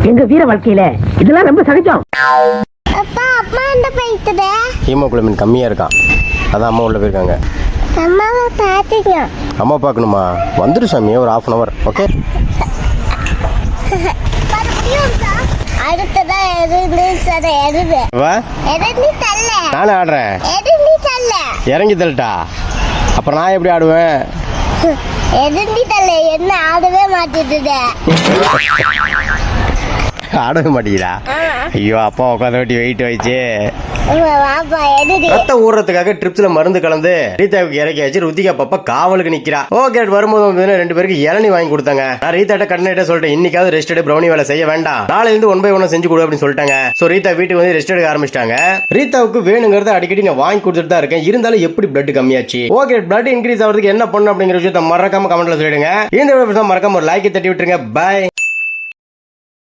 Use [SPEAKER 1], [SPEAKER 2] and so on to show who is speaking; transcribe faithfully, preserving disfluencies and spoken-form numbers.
[SPEAKER 1] எங்க வீர வாழ்க்கையில இதெல்லாம் ரொம்ப சகஜம்.
[SPEAKER 2] அப்பா அம்மா என்ன பண்ணிட்டு?
[SPEAKER 3] ஹீமோகுளோபின் கம்மியா இருக்கான், அதான் அம்மா உள்ள போயிருக்காங்க.
[SPEAKER 2] அம்மாவை பாத்தீங்க?
[SPEAKER 3] அம்மா பார்க்கணுமா? வந்துரு சாமி, ஒரு ஹாஃப் அன் அவர். ஓகே.
[SPEAKER 2] அடுத்ததா எது சரி எது
[SPEAKER 3] வா,
[SPEAKER 2] எது தள்ள
[SPEAKER 3] நானே ஆடுறேன்.
[SPEAKER 2] எது தள்ள
[SPEAKER 3] இறங்கி தள்ளிட்டா அப்புறம் நான் எப்படி ஆடுவேன்?
[SPEAKER 2] எது தள்ள என்ன ஆடவே மாட்டிட்டு
[SPEAKER 3] ஆடவே மாட்டேங்கிறா. ஐயோ, அப்பா உட்காந்து வெட்டி வெயிட் வச்சு
[SPEAKER 2] வாப்பா எது
[SPEAKER 3] ரத்தம் ஊறதுக்காக ட்ரிப்ஸ்ல மருந்து கலந்து ரீதாவுக்கு இறக்கியாச்சு. ருத்திகா பாப்பா காவலுக்கு நிக்கிறா. ஓகே, வரும்போது வந்து ரெண்டு பேருக்கு இளநீ வாங்கி கொடுத்தாங்க. நான் ரீதாட்ட கடனிட்ட சொல்லிட்டேன், இன்னைக்காவது ரெஸ்ட் எடுத்து ப்ரௌனி வேலை செய்ய வேண்டாம், நாளைல இருந்து ஒன் பை ஒன் செஞ்சு கொடு அப்படின்னு சொல்லிட்டாங்க. சோ ரீதா வீட்டுக்கு வந்து ரெஸ்ட் எடுக்க ஆரம்பிச்சிட்டாங்க. ரீதாவுக்கு வேணுங்கிறத அடிக்கடி நான் வாங்கி கொடுத்துட்டு தான் இருக்கேன். இருந்தாலும் எப்படி பிளட் கம்மியாச்சு? ஓகே, பிளட் இன்க்ரீஸ் ஆகிறதுக்கு என்ன பண்ணணும் அப்படிங்கிற விஷயத்த மறக்காம கமெண்ட்ல சொல்லிடுங்க. இந்த வீடியோ மறக்காம ஒரு லைக் தட்டி விட்டுருங்க. பை.